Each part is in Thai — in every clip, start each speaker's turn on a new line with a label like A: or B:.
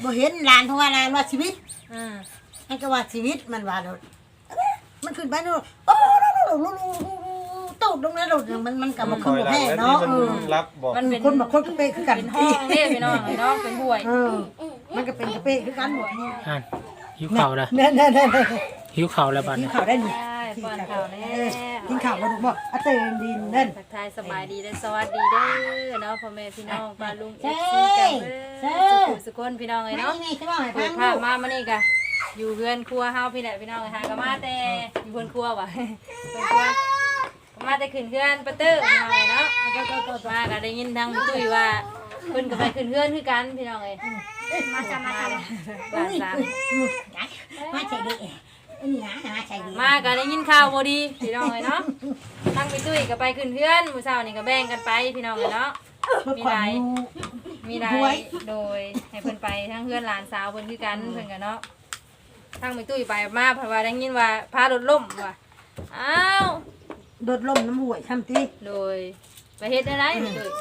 A: บ่เห็นหลานเพราะว่าหลานว่าชีวิต มันก็ว่าชีวิตมันว่าโดดมันขึ้นไปโดดโอ้ตกลงแล้วโดดมันก็บ่คือบ่แพ้เนาะ
B: รับบอก
A: มันเป็นคนบ่คนกระเปคือกัน
C: เป็นห้องเด้พี่น้องเนาะเป็นห่วย
A: มันก็เป็นกระเปคือกันหมด
D: หิวข่าวแล้วหิวข่าวแล้วบัด
A: กิ
D: นี้
A: นข้าวได้นี่
C: ป้อนข้าวแน่
A: กินข้าวบ่ถูกบ่อะเตนดินนั่น
C: ทักทายสบายดีเด้อสวัสดีเด้อเนาะพ่อแม่พี่น้องป้าลุง FC กันเด้อสุขคนพี่น้องเอ้ยเนาะ
A: นี่ใช่บ่ให้
C: เปิ
A: ฟั
C: ด
A: ง
C: ภาพมานี่กะอยู่เรือนครัวเฮาพี่แหละพี่น้องหาก็มาแต่อยู่เรือนครัวว่ะเรือนครัวมาแต่ขึ้นเรือนประตูพี่น้องเนาะก็มาก็ได้ยินทางตุ้ยว่าเพิ่นก็ไปขึ้นเรือนคือกันพี่น้องเอ้ยมาจ้ะหลานสาว
A: มาใส่ดินี่นะมาใส่ดิ
C: มาก็ได้ยินข่าวบ่ดีพี่น้องเอ้ยเนาะทางพี่ตุ้ยก็ไปขึ้นเรือนมื้อเช้านี่ก็แบ่งกันไปพี่น้องเอ้ยเนาะมีหลายโดยให้เพิ่นไปทั้งเพื่อนหลานสาวเพิ่นคือกันเพิ่นกันเนาะทั้งไปตุ้ยไปมาเพราะว่าได้ยินว่าพารถล่มว่ะอ้าว
A: โดดล่มน้ำห่วยช่ำติ
C: โดยไปเฮ็ดได้ไรไปตุ้ย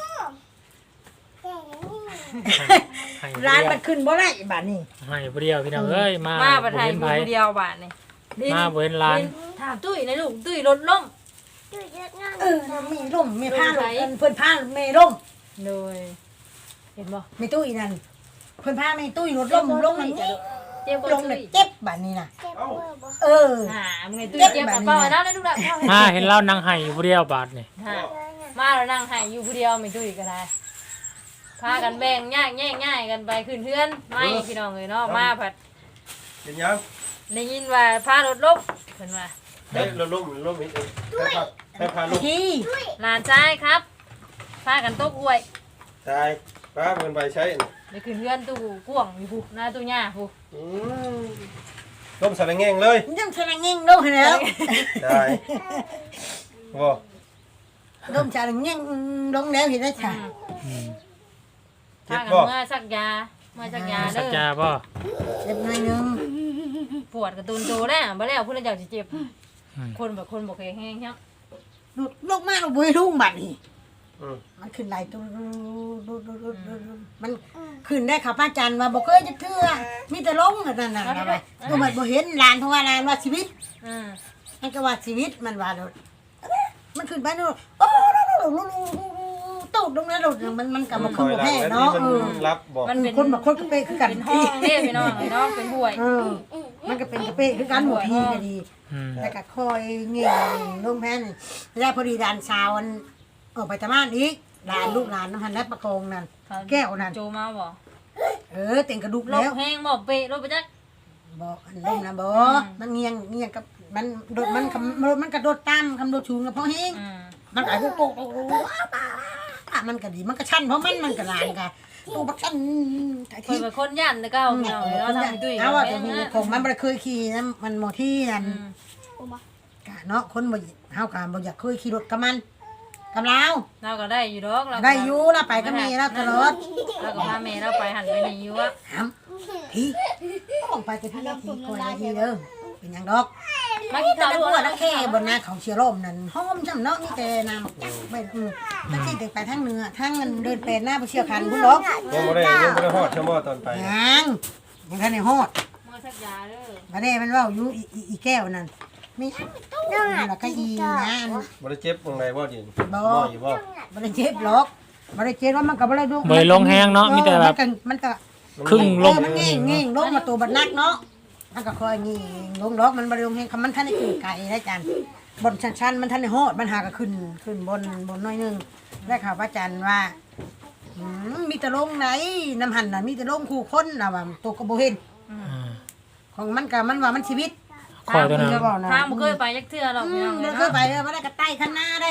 A: ร้านมันขึ้นบ่ได้บาดนี้
D: ให้บ่เดียวพี่น้องเอ้ยมา
C: ประเทศอยู่คนเดียวบาทนี่
D: มาบ่เห็นร้าน
C: ถามตุ้ยนะลูกตุ้ยรถล่ม
A: มีร่มมีผ้าลมเพิ่นผ้าเมร่ม
C: โดยเห็นบ่
A: มีตู้อีนั่นเพิ่นผ้ามีตู้รถล่มลงนี่
C: เจ็บบ่
A: ลง
C: ตุ้ย
A: เจ็บบาดนี้น่ะ
C: มึงไงตุ้ยเจ็บกับเป้าแล้วนะลูกหลาน
D: มาเห็นเรานั่งให้อยู่ผู้เดียวบาดนี่
C: มาแล้วนั่งให้อยู่ผู้เดียวไม่ตุ้ยก็ได้พากันแบ่งแยกกันไปขึ้นเพื่อนไม่พี่น้องเลยเนาะมาผัด
B: เป็นยัง
C: ได้ยินว่าพารถล้มเพิ่นว่า
B: เฮ้ยเราล้มอีกให้พาลูก
A: ที่
C: หลานชายครับพากันตกอวย
B: ตายป้าเงินไปใช้
C: ไปขึ้นเพื่อนตู้ก่วงอยู่ผู้หน้าตู้หญ้าผู้
B: ล้มสารแง่งเลย
A: ยังแสดงเง่งลงแล้ว
B: ตายบ่
A: ลมชาลเง่งลงแล้วเห็นได้ค่ะ
C: พากันเมื่อสักยาเด้
D: สัก
C: อย
D: าบ่
A: เจ็บหน่อยนึง
C: ปวดกระตุนโตแล้วบ่แล้วผู้ใดอยากสิเจ็บคนแบบคนบ่เคยแห้งครับ
A: ลงมาลงบุยลุ่งบัดนี่มันขึ้นไหลตัวมันขึ้นได้ค่ะป้าจันว่าบ่เคยจะเทื่อมีแต่ลงนั่นน่ะก็มันบ่เห็นหลานเพราะว่าหลานว่าชีวิตมันก็ว่าชีวิตมันว่าโดดมันขึ้นไปโดดโอ้ตกลงแล้วโดดมันก็บ่คือบ่แพ้เนาะ
B: รับบอก
C: มันเป็น
A: คนบ่คนกระเปคือกัน
C: เป็นห้องเด้พี่น้องเนาะเป็นห่วย
A: มันก็เป็นกระเปคือกันหมดทีก็ดีแล้วก็คอยเงี้ยลงแพ้นี่แล้วพอดีดานสาวมันออกไปตะมานอีกหลานลูกหลานน้ำพันและประโคงนั่นแก้วนั่น
C: โจมาบ่
A: เต็งกระดูก
C: ล
A: แล้ว
C: บแห้งบ่เปะลบไปจัก
A: บอกอันลมนะบอมันเงียงกับมันโดดมันกระโดดตามคำโดดชูงกับพ่อเฮงมันไอ้พวกโกมันก็ดีมันก็ชั้นเพราะมันก็ลานกันตัวบักชั้น
C: เพิ่นเป็นคนย่านแต่เก่าพี่น้องเนาะทางตุ้ย
A: เอาว่าจะมีผมมันไม่เคยขี่นะมันโมที่นั่นกะเนาะคนบ่เฮากะบ่อยากเคยขี่รถกับมันกับเรา
C: เราก็ได้อยู่ดอกเรา
A: ได้อยู่เราไปก็มีแล้วตลอด
C: เราก็พาแม่เราไปหันไปนี่อยู่อ่ะ
A: พี่ต้องไปกับพี่พี่คอยพี่เด้อเป็นยังดอก
C: มากินข้าว
A: แต่
C: ด้ว
A: ว่าย นักแค่บนหน้าเขาเชียร์ร่มนั่นหอมจำเนาะนี่แต่น้ำไม่ตั้งที่เด็กไปทั้งเนื้อทั้งเงินเดินเป็นหน้าไปเชียร์คันคุณดอก
B: ยังไม่ได้ฮอดชั่วโมงตอนไป
A: ยังทันในฮอด
C: มื้อสักยาเด้อ
A: มาได้มันว่าอยู่อีแก้วนั่นมีแล้วก็อีนะ
B: บ่ได้เจ็บตรงไหนบ่ดิ
A: บ่
B: อยู่บ่
A: บ่ได้เจ็บหรอกบ่ได้เจ็บว่ามันก็บ่ได้ดู
D: บ่ได้ลงแห้งเนาะมีแต่แบบ
A: มันก็
D: ครึ่งลง
A: มันงี้ลงมาตัวบัดนักเนาะมันก็คอยงี้ลงดอกมันบ่ได้ลงแห้งคำมันทันได้ขึ้นไกลได้จันบนชันๆมันทันได้ฮอดมันหาก็ขึ้นบนน้อยนึงได้ข่าวพระจันทร์ว่ามีแต่ลงไหนน้ำหันน่ะมีแต่ลงคู่คนน่ะว่าตัวก็บ่เห็นของมันก็มันว่ามันชีวิต
D: คอยตัวนั้น
C: ทางบ่เคยไปจักเทื่อหรอกพี่น้อง
A: มัน
C: เนาะ
A: เคยไปมาได้ก็ใต้ข้างหน้าได้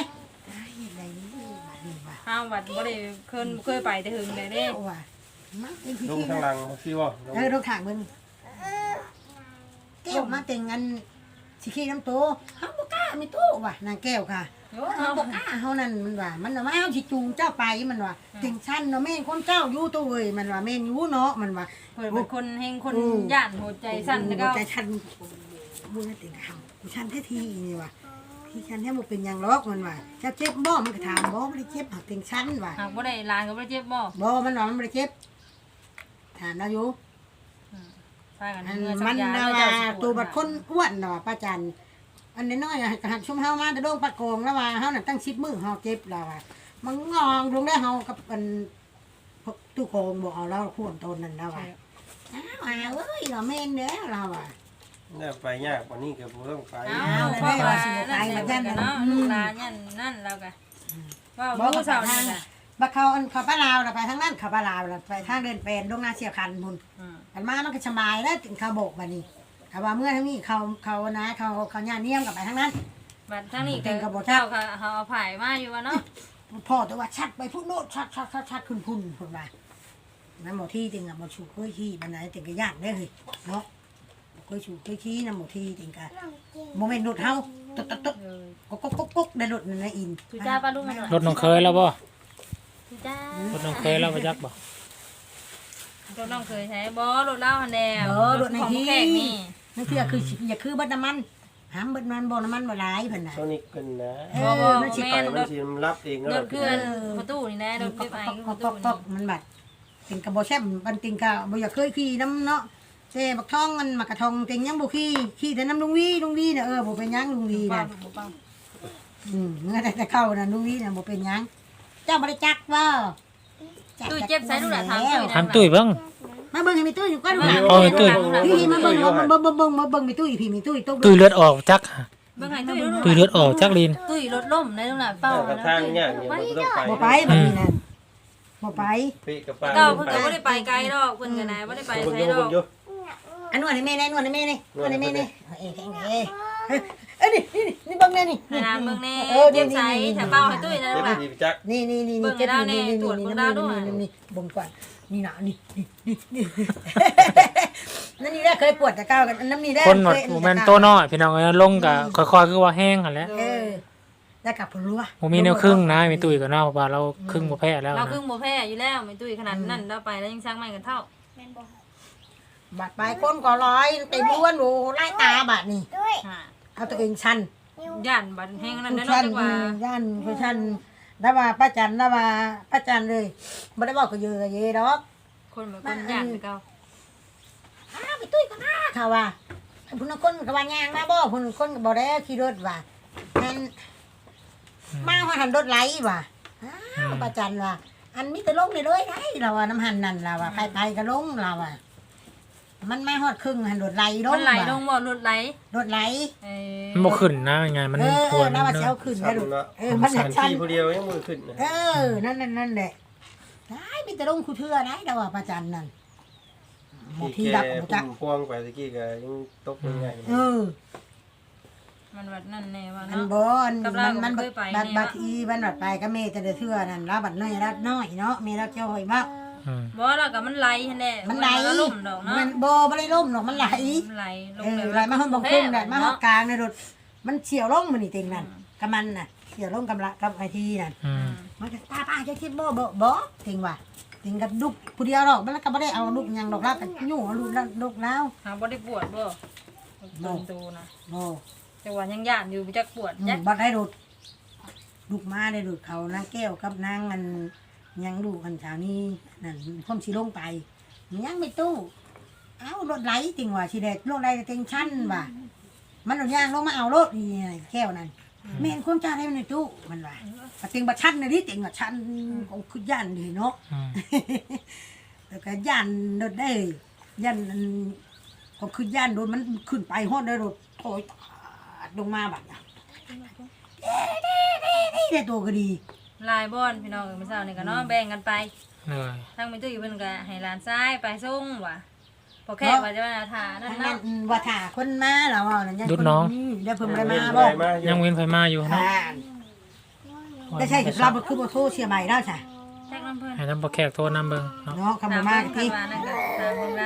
C: ทางวัดบ่ได้เคยไปแต่หึงเลยเด้
A: ว่า
B: ลุงข้างหลังพี่บ่
A: ลูกถางมึงแก้วมาแต่งงานสิขี้น้ำโตเฮาบ่กล้ามีโตว่ะนางแก้วค่ะเฮาบ่กล้าเฮานั่นมันว่ามันว่าเฮาสิจูงเจ้าไปมันว่าแต่งชั้นเนาะแม่นคนเจ้าอยู่ตัวเอ้ยมันว่าแม่นอยู่เนาะมันว่า
C: เพิ่นเป็นคนแห่งคนย่านหัวใจสั่นแต่เก่า
A: ใจชั้นบ่ได้แต่งเฮากูชั้นแท้ทีนี่ว่ะที่ชั้นแท้บ่เป็นหยังหรอกมันว่าเจ้าเจ็บบ่มันก็ถามบ่ได้เจ็บหักแต่งชั้นว่ะ
C: หากบ่ได้ลานก็บ่ได้เจ็บบ่
A: บ่มันว่ามันบ่ได้เจ็บถามเราอยู่
C: พากัน
A: อัน
C: เมื่อสั
A: มั
C: ก
A: น
C: ยา
A: น่ะ
C: เจ้า
A: ว่า
C: สิ
A: ตัวบัดคนอ้วนน่ะว่าป้าจันอันน้อยๆหักชุมเฮามาแต่โดงปะโกงแล้วว่าเฮาน่ะตั้ง10มื้อเฮาเจ็บแล้วว่ามันงองลงได้เฮากับอันพวกตู้โกงบ่เอาแล้วควรตนนั่นแล้วว่าอ้าวเอ้ยเราแม่นเด้อเราอ่ะ
B: เนี่ยไปยากกว่านี้ก็บ่ต้องไป
C: เอาพ่อว่านั่นเนาะลูกหลานนั่นแล้วก็ว่าลูกสาวนี่ล่ะ
A: บักเขาอันเขาป้าลาวน่ะไปทางนั้นเขาป้าลาวน่ะไปทางเดินเป็นลงนาเสียคันพุ่นอันมามันก็สบายแล้วถึงเขาโบกบัดนี้ถ้าว่าเมื่อทั้งนี้เขานะเขาย่าเนียมกับไปทางนั้น
C: บัดทั้งนี้ก็เจ้าค่ะเขาเอาไผ่มาอยู่ว่าเนาะ
A: พ่อแต่ว่าชัดไปพุ่นโนดชัดขึ้นพุ่นพุ่นมาน้ำหมอที่จริงอะหมอชูเคยขี้บันไดจริงก็ยากได้เลยเนาะเคยชูเคยขี้น้ำหมอที่จริงก็โมเมนต์หลุดเฮาตุ๊กก๊กได้หลุดนั่นนะอิน
C: ทุจ้าป้าลุงมาหน่อย
D: รถน้องเคยแล้วบ่
C: ทุจ้าร
D: ถน้องเคยแล้วบ่จักบ่
C: รถน้องเคยใช้บ่รถเล่าหันแดง
A: หลุดใน
C: ของ
A: ที่
C: แขกนี่
A: นั่นคืออย่าคือบัดน้ำมันหามบัดมันบ่น้ำมันบ่หลายเพิ่นน่ะ
B: โซนิกกันนะ
A: มันสิ
B: ไปมันสิรับเอง
C: รถเคลื่อนประตูนี่นะรถเก็บไอ้ประตู
A: ปอกมันบัดติงกะบ่แซ่บมันติงกะบ่อยากเคยขี่น้ำเนาะเซ่บักทองมันมากระทองติงยังบ่ขี่แต่น้ำลุงวีน่ะบ่เป็นหยังลุงวีน่ะเมื่อแต่เข้าน่ะลุงวีน่ะบ่เป็นหยังเจ้าบ่ได้จักว่า
C: ตู้เจ็บใส่ลูกหลานถามตู้
D: ถามตุ้ยเบิ่ง
A: มาเบิ่งให้มีตุ้ยอยู่ก่อน
D: โอ้ยตุ้ย
A: พี่มาเบิ่งมีตุ้ยพี่มีตุ้ยตุ้
D: ตุ้ยเลือดออกจัก
C: เบิ่งให้ตู้
D: ตุ้ยเลือดออกจักลิน
C: ตู้รถล่มในลูกหลานเป้า
B: กับทางเนี่ยบ่ต้องไป
A: บ่ไปบัดนี้น่ะบ่ไป
B: ปีกับปลา
C: เก่าเพิ่นก็บ่ได้ไปไกลดอกเพิ่นก็นะบ่ได้ไปไสดอก
A: อันนวดให้แม่นี่นวดให้แม่นี่แข็งนี่เบิ่งแน่นี่
C: ให้นางเบิ่งแน่เจ็บใส่ถ้าเป้าให้ตู้นะลูกหลาน
B: จัก
A: นี่เจ็บนี่บ่งก่อนนี่น่ะนี่นั่นนี่ได้เคยปวดแต่ก้าวกันน้ำนี่ได้
D: คนหมดแม่นโตน้อยพี่น้องเอ้ยลงก็ค่อยๆคือว่าแห้งหั่นแหละ
A: ได้กลับผลรัว
D: บ่มีแนวครึ่งนะมีตุ้ยก็เนาะเพราะว่าเราครึ่งบ่แพ้แล้ว
C: เรา
D: นะ
C: ครึ่งบ่แพ้อยู่แล้วไม่ตุ้ยขนาดนั้นเราไปแล้วยังสร้างใหม่กันเท่า
A: บาดปลายก้นก็ร้อยเต็มล้วนโอ้ไล่ตาบาดนี่เอาตัวเองชัน
C: ย่านบัดแห้งนั้นได้
A: ชั
C: เนาะจังว่า
A: ย่านคือชันได้ว่าป้าจันเลยบ่ได้บอกก็เยอะเยดอก
C: คนเหมือนคนย่านไปเก่า
A: ไปตุ้ยก็น่าค่ะว่าพุ่นคนก็ว่ายางมาบ่พุ่นคนก็บ่ได้ขี่รถว่านั่นมาหันรถไหลว่ะป้าจันว่าอันมีแต่ลงเลยได้เราว่าน้ำหันนั่นเราว่าไปก็ลงเราว่ามันไม่ฮอดครึ่งหันรถไหลลง
C: มันไหลลงบ่รถไหล
A: รถไหล
D: มันบ่ขึ้นนะยังไงมันปวด
A: น่าว่า
D: เนาะ
A: เช้าขึ้น
B: ชั
A: ได้
B: น
A: ลูก
B: ละ
A: มัน
B: ชัน
A: ชัน
B: ที่ผู้เดียวยังมือขึ้นนะ
A: นั่นแหละได้มีแต่ลงคูเทื่อได้เราว่าประจันนั่นหมดที่
B: ที่
A: ดับ
B: แก
A: หมดจัก
B: พวงไปตะกี้ก็ยังตกง่าย
C: มันวัดนั่นแน่ว่า
A: มัน
C: เนาะ
A: บ่อน
C: กับเราก็
A: มัน
C: เคยไปเนี่ย
A: บัดทีมันบัดไปก็เมแต่เทื่อนั่นแล้วบัดน้อยรัดน้อยเนาะเมรัดจ้อยมาก
C: บ่แล้วก็มันไหลหั่นแหละ
A: มันไหล
C: ก็ล่มดอกเนาะ
A: มันบ่ได้ล่มหรอกมันไหล
C: มันไหลลง
A: ไหลมาห้องบังคุ้งได้มาห้องกลางในรถมันเฉียวลงมันนี่เต็งนั่นกับมันน่ะเฉียวลงกับไอทีนั่น มันก็ป้าจะคิดบ่จริงว่ะจริงกับลูกผู้เดียวหรอกมันก็ไม่ได้เอาลูกยังดอกแล้วกันยู่เอาลูกแล้ว
C: หาบ่ได้ปวดบ่โดนตูนะ
A: โอ้
C: แต่ว่ายังย่านอยู่จักปวดจัก
A: บัดได้ดูดลูกมาได้ดูดเขานางแก้วกับนางอันยังดูกันเช้านี้นั่นพ่อมสีลงไปยังไม่ตู้เอารถไหลจริงว่ะชีเด็ดรถไหลเต็งชั้นว่ะมันเอาย่างลงมาเอารถนี่แก้วนั่นไม่เห็นความจ้าได้ในตู้มันว่ะเต็งบัดชั้นในนี้เต็งบัดชั้นของคือย่านดีเนาะ แล้วก็ย่านรถได้ย่านก็คือย่านโดนมันขึ้นไปฮอดได้รถโอยลงมาแบบได้ตัวก็ดี
C: ลายบ่อนพี่น้องมื้อเช้านี่ก็เนาะแบ่งกันไป
D: เลย
C: ทางแม่ตุ้ยเพิ่นก็ให้หลานชายไปส่งว่ะพอแค่ว่าจะมาถ่านั่น
A: นั่
C: เนาะ
A: นว่าถ่าคนมาแล้วนั่นยังเดี๋ยวเพิ่มได้มา
B: ๆ
A: บ่
B: มา
D: ยังเว้นไฟมาอยู่เนาะ
A: ได้ใช่เราคือบ่โทรเชียร์ใหม่แล้วใช่
C: แท็กน้ำเพิ่น
D: ให้ทำบ่แขกโทรนำเบิ่งเนาะ
A: เนาะคำบ่มากที่
C: ว่านั่นก็ถามเพิ่นแล้ว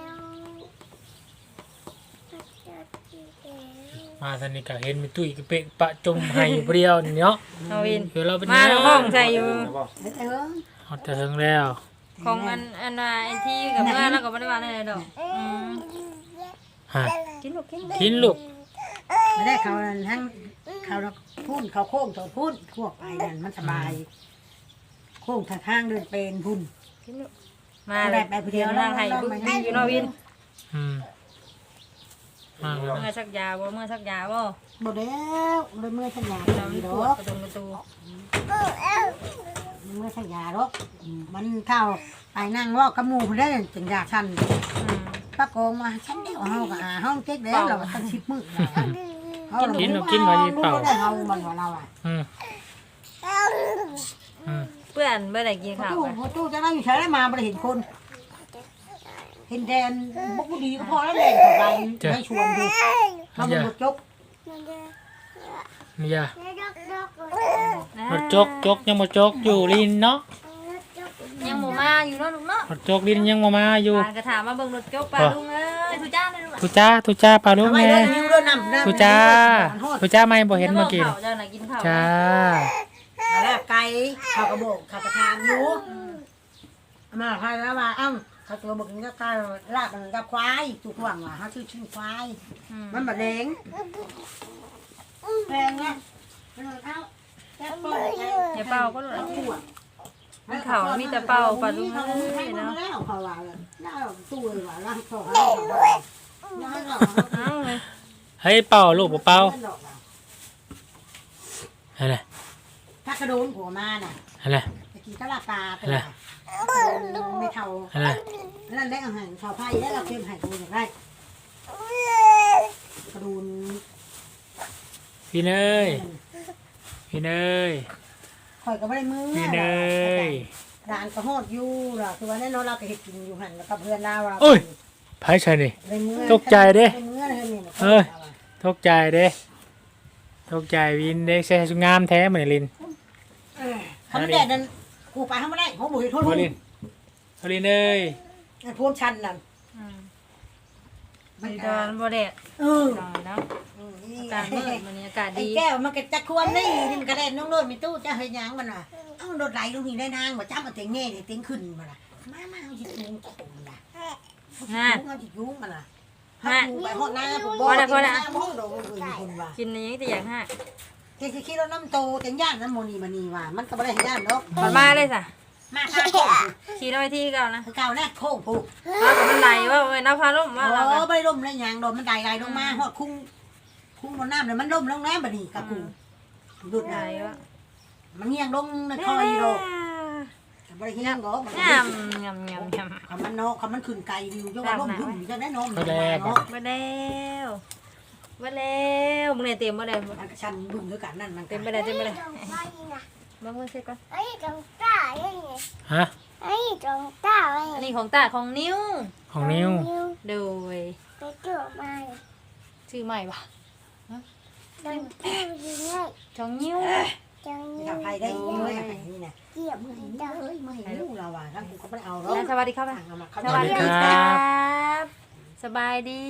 D: มาสนิทก็เห็นมีตุ้ยกระเปะปะจมให้เปรี้ยวนี่เนาะ
C: เอาวิน
D: เดี๋ยวเราเป็น
C: มาห้องใส่อยู่
D: เอาแต่ถึงแล้ว
C: ของอันน่ะไอ้ที่กับเมื่อแล้วก็บ่ได้ว่าอะไรดอก
D: ฮะ
C: กินลูกกิน
D: กินลูก
A: ไม่ได้เขาทั้งเขาพุ่นเขาโค้งตัวพุ่นพวกไปนั่นมันสบายโค้งทางเดินเป็นพุ่น
C: มาเลย
A: ไปผู้เดียว
C: นั่งให้อยู่เนาะวิน
D: มากเลย
C: เมื่อสักยาบ่เมื่อสักยาบ่
A: บ่แล้วเลยเมื่อสัญญา
C: เรา
A: ดี
C: ป
A: ด
C: ว
A: อ
C: ด
A: ก
C: ประตู
A: เมื่อสัญญาดอกมันเข้าไปนั่งเว่ากับหมู่ได้สัญญาชันปะโกงมาฉันเดียวเฮาก็ห้องเจ๊กแล้วเราตั้ง10มื้อเฮาได้เฮามันว่าเราอ่ะ
C: เพื่อนเมื่อไหร่กินข้าว
A: ตู้
C: กัน
A: ตู้จะนั่งอยู่ใช้ได้มาบ่ได้เห็นคน เห็นแดนบ่ดีก็พอแล้วแหละไปให้ชวนดูเขาบ่จบ
D: นี่ยารถจกยังบ่จกอยู่ลินเนาะ
C: ยังบ่มาอยู่เนาะลูกเนาะ
D: รถจกลินยังบ่มาอยู่
C: กระถามมาเบิ่งรถจกปลาลุงเอ้ยทุจ้าเลยลูก
D: ทุจ้าปลาลูก
A: ทำไม
D: แม่
A: เดินนิ้วเดินนำ
D: ทุจ้าไม่บ่เห็นเมื่อกี้
C: เจ้าน่ะกินข้าว
D: จ้า
A: แล้วไก่เขากระบอกเขากระทามอยู่มาใครแล้วว่าอ้ำเขาตัวบอกกินกับไก่ลาบมันกับควายถูกหวังว่าเขาชื่อควายมันบะแดงแดงเนี่ย
C: อย่าเป่าก็ลูก
A: ตู้
C: มันข้าวมีแต่เป่าปลาลุง
A: เขา
C: เอ้
A: ให้
C: ย
A: มัน
C: เนาะ
A: แล้วเขาว่าแล้วตู้เลยว่าล่างเขา
C: เอ้าเลย
D: เฮ้ยเป่าลูกบ่เป่าอะไร
A: ถ้ากระโดนหัวมาน่ะ
D: อะไร
A: ตะกี้ก็ลาตาตัวไม่เท่า
D: อะไร
A: นั่นได้อาหารชาวไทยได้เราเค็มหายตัวอย่างไรกระดูน
D: พี่เนยพี่เนย
A: ข่อยก็ไม่ได้มือ
D: พี่เนย
A: ร้านก็ฮอดอยู่ล่ะคือว่าแน่นอนเราก็เห็ดกินอยู่หันแล้วกับเพื่อนเราเรา
D: โอ้ยไผใช่นี่ ตกใจเด้
A: เอ้ย
D: ตกใจเด้ตกใจวินเด้ใช่งามแท้เหมือนลิน
A: เขาไม่แดดนั่นกูไปเขาไม่ได้เขาบุยโทษ
D: โอลินโอลินเอ้ย
A: พวกชันนั่น
C: มันดอนบ่แดด
A: เออ
C: หน่อยเนาะอากาศมืดวันนี้อากาศ
A: ไอ้
C: ดี
A: แก้วมันก็จะควรนี่นี่มันก็ได้น้องโดดมีตู้จะเฮียยังมันอ่ะเอ้าโดดไหลลูกนี่ได้นางมาจ้ามาเต็งเงี้ยเต็งขึ้นมันอ่ะมาเอาจิตยุงโขงนะเอาจิตยุงมันอ่ะไปหอดหน้าผมบอกห้องโดนอื่นคุณว่า
C: กินนี้แต่อย่างห้า
A: ที่คิดเราน้ำโตเต็งย่านน้ำโมนีมานีว่ามันก็ไม่ได้ย่านเนาะ
C: มันมาเลยจ้ะ
A: มาข้างโค้ง
C: ขี่รถไปที่เก่านะ
A: คือเก่าแน่โค้งผูก
C: เรากับมันไหลว่าเว้ยน้ำพาล่มว่าเรา
A: โอ้ไม่ล่มเลยยางโดนมันไดลงมาหอดคุ้งบนน้ำเลยมันล่มลงน้ำบัดนี้กับกูดุด
C: ไหล
A: นะ
C: ว่า
A: มันเงียงลงในคอยโรบริเงียงก็
C: งามงามงามงาม
A: คำมันเนาะคำมันขึ้นไกลอยู่ยกว่าล่มยุ่งจะได้นม
C: มาแล้วมาแล้วมึงเนี่ยเต็มมาเลย
A: มันชันบึ้งด้วยกันนั่นมัน
C: เต็มไปเลยเต็มไปเลยมาเมื่อเช็คก่อน
D: ฮะ
C: อันนี้ของตาของนิ้ว
D: ของนิ้ว
C: โดยชื่อใหม่ปะของนิ้ว
A: ทำไทยได้ด้วยนี่นะมือเห็นลูกเราอ่ะทั้งกูก็ไม่เอาหรอก
C: สวัสดีครับ
A: สวัสดี
C: ครับสบายดี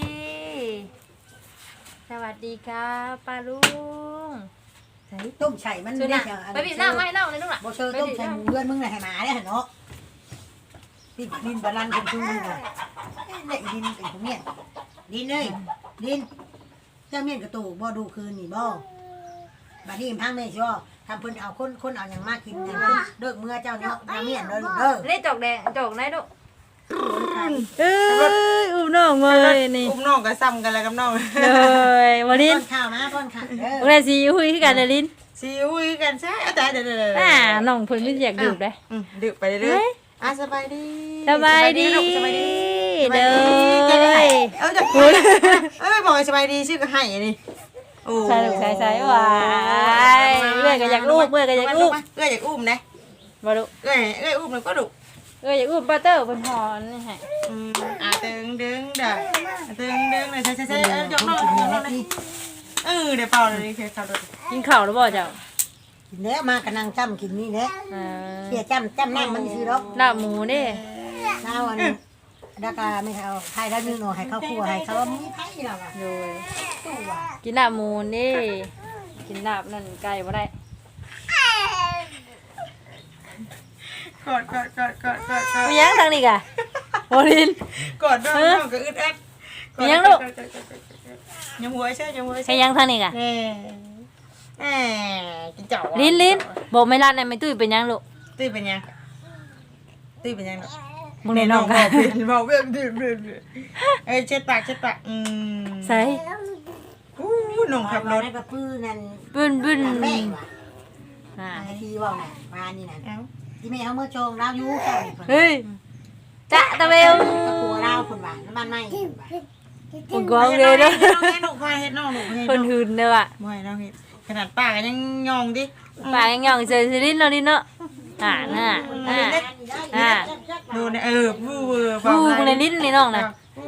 C: สวัสดีครับป้าลุง
A: ต้มไข่มัน
C: สุดนะไปบีบหน้าไม่เน่าเลยลูกหล่ะ
A: โบเชอร์ต้มไข่เพื่อนมึงเลยให้หมาเนี่ยเนาะดินดินบาลันเป็นชูมึงอ่ะเนี่ยดินเป็นของเนี่ยดินเลยดินเจ้าเมียนกระตูบ่ดูคืนนี่บ่บัดนี้พังไม่ชัวทำเพิ่นเอาคนเอาอย่างมากกินอย่างเพิ่นเลิกเมื่อเจ้าเนาะน้าเมียนเลยเด้อ
C: นี่จกแดงจกไหนลูกเอ้ยอุ้มน้องเลยนี่
E: อุ้มน้องก็ซ้ำกันแล้วกับน้อง
C: เลยวันนี้
A: ป้อนข้าวมาป้อนข้าวเด้อ
C: วันนี้สิคุยกันเลยลิ้น
E: ซีอุ้ยกันใช่เอาแต่เดี๋ยว
C: อ่าน้องเพิ่นไม่อยากดื่มเลย
E: ดื่มไปเรื่อยๆสบายดี
C: สบายดี
E: สบายดี
C: เด้อ
E: จะพูดบอกสบายดีชื่อก็ให้นี่โอ้
C: ใช่ลูกใช่หวายเมื่อยก็อยากอุ้มเมื่อยก็อยากอุ้ม
E: เอ้ยอยากอุ้มนะ
C: บ่ลูก
E: เอ้ยอุ้มแล้วก็ดุ
C: อยากอุ้มป้าเตอร์เพิ่นหอนนี่ให้
E: ตึงเด้อตึงเลยใช่ยกน้องเดี๋ยวเป่าเลยคือเขาดู
C: กินข้าวแล้วบ่เจ้า
A: กินแล้วมากระนังจ้ำกินนี่แหละ
C: อ่า
A: เสียจ้ำน้ำมันซื้อดอก
C: ลาบหมูนี่
A: น้าวันดากาไม่เอาไทยแล้วนึงหน่อยให้เขาคั่วให้เขามีไทยเราอ่ะ
C: โดย
A: ตู้อ่ะ
C: กินลาบหมูนี่กินลาบนั่นไก่บ่ได้
E: กอด
C: มียังทางนี้กะโอลิน
E: กอดน้องก็อึดอัดยังหัวใช่ยังหัว
C: ใช่ยังทางนี้กะ
E: กินเจ้า
C: ลิ้นบอกไม่รัดเลยไม่ตุ้ยเป็นยังลูก
E: ตื้อเป็นยัง
C: มึงในน้อง
E: บ
C: กั
E: อน กเป็นบอกเป็นเอ้ยเช็ดปาก
C: ใส่
E: อู้น้องขับรถ
A: ได้กระปื้อนั่น
C: บึ้นบึ้น
A: แม่ว่ะ
C: อ่า
A: ไอ้ที่ว่าน่ะมานี่น่ะ
E: เอ้า
A: ที่แม่เอาเมื่อโจงเราอยู่กัน
C: เฮ้ยจ๊ะตะเบล
A: กระปัวเราคนว่าน้ำมันไหม้คนว่า
C: มึงกองเลยเด้อ
E: น้องเฮ็ดน้องเฮ็ดน้องหนูเฮ็ด
C: คนหืนเด้อว่ะ
E: บ่ให้น้องเฮ็ดขนาดป้าก็ยังยองดิ
C: ปากยังหย่องเฉยๆลิ้นเนาะลิ้นเนาะน่ะ
E: ดูเนี่ยผู้เวอร์
C: ฟูมึงในลิ้นนี่น้องน่ะ
E: ผู้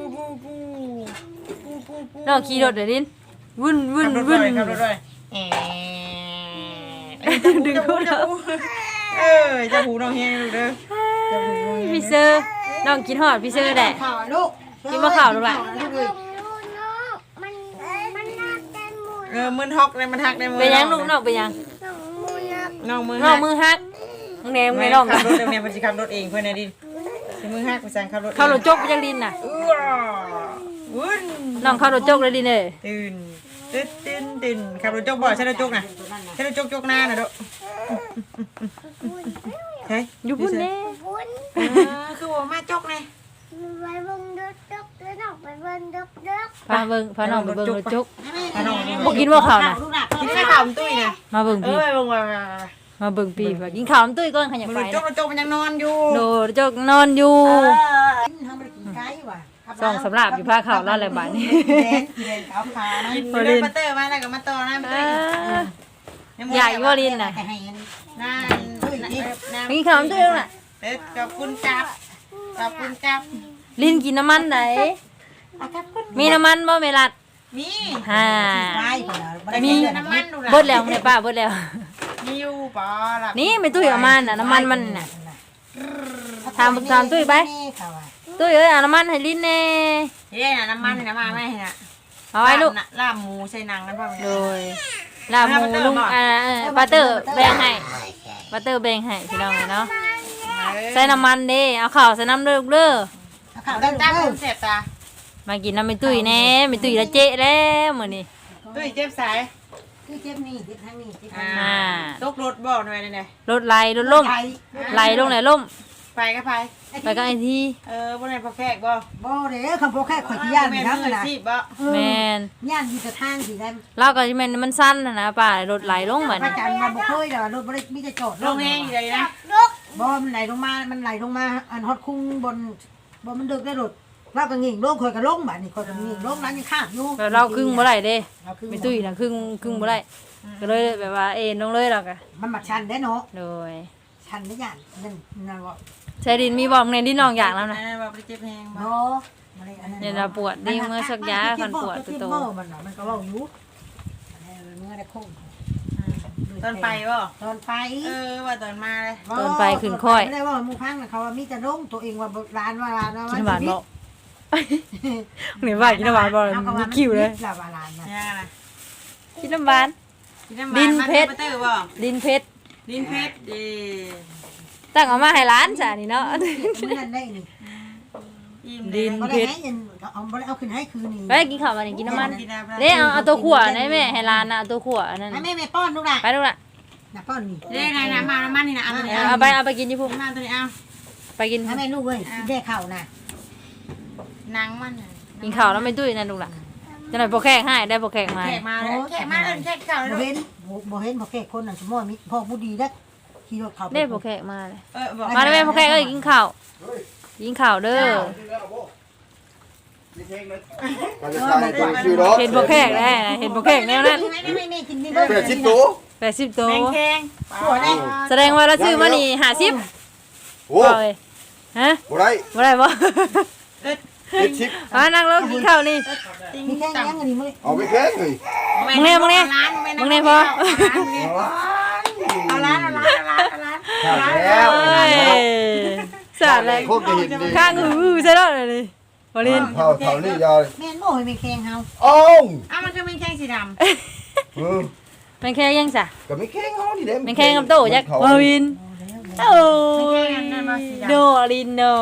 C: น้องขี่รถเด้อลิ้นวุ่นวุ่น
E: ขับรถ
C: วุ่น
E: ด้วยขับรถด้วยดึงหูจะหูจะหูน้องเฮ็ดลูกเด้อจะหูน้องเฮ็ด
C: พี่เซอร์น้องกินฮอดพี่เซอร์แหละ
A: ข่าวลูก
C: กินมะขาวลูกหลาน
E: มือฮอกเลยมันหักได้มือ
C: เป็นยังลูกน้องเป็นยัง
E: น้องมือ
C: น้องมือฮักมึงแหนมึงในน้อง
E: ขั
C: น่ะ
E: บรถเดี๋ยวเนี่ยมันจะขับรถเองเพื่อนนะดิมือหักไปสั่งขับรถ
C: เข้ารถจกไปจังลิ้นน่ะ
E: วุ้น
C: น้องเข้ารถจกเลยลิ้นเอ้ย
E: ตื่นขับรถจกบ่ใช่รถจกนะใช่รถจกหน้าน่ะดูเฮ้ย
C: อยู่พุ่นแน่
E: คือว่ามาจกไง
C: พาเบิ่งพาน้องไปเบิ่งรถจก
E: น้อง
C: บ่กินบ่ข้าวน่ะ
E: กินข้าวขาวตุ้ยนะ
C: มาเบิ่งพี่
E: ลงมา
C: มาเบิ่งพี่ว่ากินข้าวน้ำตุ้ยก่อนขยัน
E: ร
C: ไป
E: ถจกมันยังนอนอยู่
C: โดรถจกนอนอยู่
A: ทำไปกินไก่ว่ะ
C: ส่องสำหรับอยู่พาข้าวแล้วแหละบัดนี้
A: แดงขาวขานะ
E: กินเลยบัตเตอร์มาแล้วก็มาต่อนะบัตเตอร์
C: ใหญ่บ่ลิ้นน่ะ
A: แต่ให้
E: นั่น
C: กินข้าวน้ำตุ้ยแล้วน่ะ
E: ขอบคุณจับขอบคุณจับ
C: ลิ้นกินน้ำมันไหนมีน้ำมันบ่แม่ลัด
E: มี
C: ฮ่า
A: ไก่คนละ
E: มีน้ำมันดูนะ
C: เบิดแล้วเนี่ยป้าเบิดแล้ว
E: มีอยู่ปอล่ะ
C: นี่ไม่ตุ้ยเอามาน่ะน้ำมันมันน่ะ ถามตุ้ยไป ตุ้ยเอ้ยเอาน้ำมันให้ลิ้นแน่
E: เฮ้ยน้ำมันนี่นะมาไม่นะ
C: เอาไว้ลูก
E: ลาบหมูใส่หนังนั่นป่ะ
C: โดยลาบหมูลุงปาเตอร์แบ่งให้ปาเตอร์แบ่งให้พี่น้องเนาะใส่น้ำมันเด้เอาข้าวใส่น้ำเด้อลูกเด้อ
A: ข่าว
E: ดั
A: ได้
E: ง
A: จ้า
E: จ้าเสียบตา
C: มากินน้ำไม่ตุ้ยแน่ไม่ตุ้ยละเจ๊แล้วมื้อนี้
E: ตุ้ยเจ็บสาย
A: ที่เจ็บนี่ที่ทางนี้ที่ทาง
C: อ่า
E: ตกรถบ่หน่อยเลย
C: รถไหลรถล่มไหลลงไหลล่ม
E: ไปก็ไป
C: ไปก็ไอ้ที่
E: บ่ได้พอแขกบ่
A: บ่เด้อคำโปแค่ข่อยที่ย่าน
E: แม่
A: นี่
E: น
A: นะ
E: มือสิบ่
C: แม่น
A: ย่านที่จะทางที่ได้
C: เราก็สิแม่นมันสั้นนะป้ารถไหลลงเหมือน
A: พระจันทร์มาบ่เคยดอกรถบ่ได้มีแต่จอด
E: ลงแห้งเลยนะ
A: บ่มันไหลลงมามันไหลลงมาอันฮอดคุ้งบนบ่มันดึกได้รถเราก็งิ่งลงข่อยก็ลงบัดนี้ข่อยก็งิ่งลงนั้นยังข้ามอยู่
C: แล้วเราครึ่งบ่ได้เด้
A: เราคือ
C: ไม่ตุ้ยน่ะครึ่งบ่ได้ก็เลยแบบว่าเอ็นลงเลยเราก็
A: มันมาชันได้เนาะ
C: โดย
A: ชันได้ย่านนั่นว่า
C: ใช้ดินมีบอกในดินน้องอย่างแล้วนะ
E: บ่ไปเจ็บแห้งบ่
A: เนาะ
C: เนี่ยเราปวดดิ้งเมื่อสักยาคันปวดตัวโต
A: มันก็เว้าอยู่เมื่อได้คง
E: ตอนไปบ่
A: ตอนไป
E: ว่าตอนมาเลย
C: ต้นไปขึ้นค่อย
A: ไม่ได้ว่าหมู่พังน่ะเขาว่ามีแต่ลงตัวเองว่าร้านว่า
C: กินหวานบอกหรือว่ากินหวานบอกมีคิวเลย
A: ลาบาลานนะ
E: ย่านะ
C: กินน้ำหวาน
E: ดินเพชรบ่
C: ดินเพชร
E: ดินเพชรดี
C: ตั้งเอามาให้ร้านจ้ะนี่เนาะ
A: มันนั่นได้นี่
C: ดิน
A: บ่
C: เพ
A: ได้
C: ชร
A: ให้เอาบ่ได้เอาขึ้นให้คืนนี่
C: ไปกินข้าวมานี่กินน้ำมันเด้เอาตัวขวดให้แม่ให้ร้านนะเอาตัวขวดนั่น
A: ให้แม่ป้อนลูกล่ะ
C: ไปลูกละ
A: น่ะป้อนนี่
E: เด้นะมาน้ำมันนี่นะเอาตัวนี้
C: เอาไปกินที่พุ่ม
E: มาตัวนี้เอา
C: ไปกิน
A: ให้แม่ลูกเว้ยได้ข้าวน่ะ
E: หนังมัน
C: กินข้าวแล้วไม่ตุ้ยนั่นลูกละจะหน่อยโปรแขกให้ได้โปรแขกมา
E: แขกมาเลยแขกมาเลยแขกเก่าเลย
A: บ่เห็นบ่เห็นพ่อแก่คนนั้นสมมุติมีพ่อผู้ดีเด้อขี่รถเขา
C: ได้โปรแขกมาเลย
E: บอก
C: มาได้ไหมโปรแขกเอ้ยกินข้าวกินข้าวเด้อ เห็นโปรแขกได้เห็นโปรแขกแนวนั้น
A: ไม่กินนี่เบิ่ง
B: 80ตัว
C: 80ตัว
E: แมงแข็ง
A: หัวได้
C: แสดงว่าเราซื้อมานี่50
B: โอ้
C: บ่เลยฮะ
B: บ่ได้
C: บ่ได้บ่
B: 70
C: นั่งลงกินข้าวนี่
A: มีแค่ยังอันนี้มื้อ
B: เอาไปแค่เลย
C: มึงเนี่ยพอ
E: เอาร้าน
B: แล้ว
C: เอ้ยสาดเลย
B: โคตรจะเห็นดี
C: ข้างหูใช่แล้วเลยบริน
B: เท่านี้ยาว
A: แม่นบ่ให้แม่แข็งเฮา
B: อ้าว
E: อ้าวมันคือแมงแข็งสีดำ
C: มันแค่ยังจ้ะ
B: ก็ไม่แข็งเฮานี่เด้
C: มันแค่กับโตจักบรินโอ้ยโดลินโด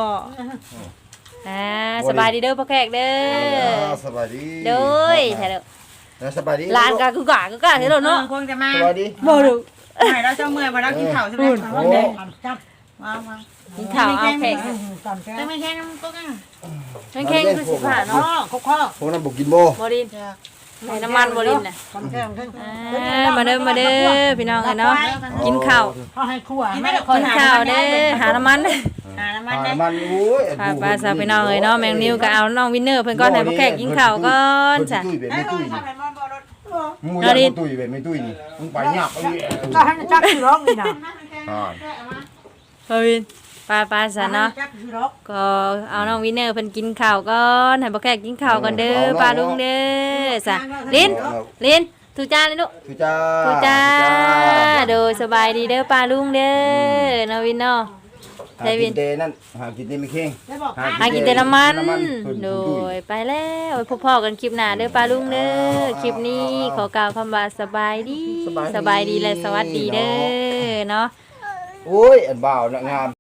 C: สบายดีเด้อพ่อแขกเด้อ
B: สบายดี
C: เด้อแท้เด้อ
B: สบายดี
C: ลานกะกูกะเฮ็ดเนาะ
E: คงจะมา
B: สบายดี
C: บ่ดู
E: ไหนเราจะเมื่อยมาเรากินข้าวใช่ไหม
A: จับ
E: มา
C: กินข้าวเอาแขก
A: ตอนแรก
E: ไม่แค่น้ำก็กัน
C: แข็งๆคือสิผ่า
A: ข้อ
C: เนาะ
A: ข้อ
B: พวกนั้นบ่กินบ่
C: บ่ดินใส่น้ำมันบ่ดินน่ะ
A: ตอนแรกขึ้น
C: มาเด้อพี่น้องเนาะกินข้าว
A: เขาให้คั่ว
C: กินข้าวเด้อหาน้ำมัน
E: หาน้ำมัน
B: หา
E: ได้
B: มันโอ้ย
C: พาปลาสาวพี่น้องเนาะแมงนิวก็เอาน้องวินเนอร์เพิ่นก่อนให้พ่อแขกกินข้าวก่อนจ้ะ
B: ตุ้ยแบบไม่ตุ้ย
E: ทำไมมันบ่รถ
B: มึงอยากตุ้ยแบบไม่ตุ้ยนี่มึงไปยากไป
A: ก็ให้จักคือร้องนี่นะ
C: พ่อวินปลาซะเนาะ
A: จักคือร้อง
C: ก็เอาน้องวินเนอร์เพิ่นกินข้าวก่อนให้พ่อแขกกินข้าวก่อนเด้อปลาลุงเด้อจ้ะลิ้นทุจ้าเลยลูก
B: ทุจ้า
C: ทุจ้าโดยสบายดีเด้อปลาลุงเด้อน้องวินเนาะ
B: หากินเตนั่นหากินเตไม่เข่ง
A: ได้บอก
C: หากินแต่น้ำมันโดยไปแล้วไว้พบพ่อกันคลิปหน้าเด้อปลาลุงเด้อคลิปนี้ขอกล่าวคำว่าสบายดีและสวัสดีเด้อเนาะ
B: โอ้ยอันบ่าวน่ะงาม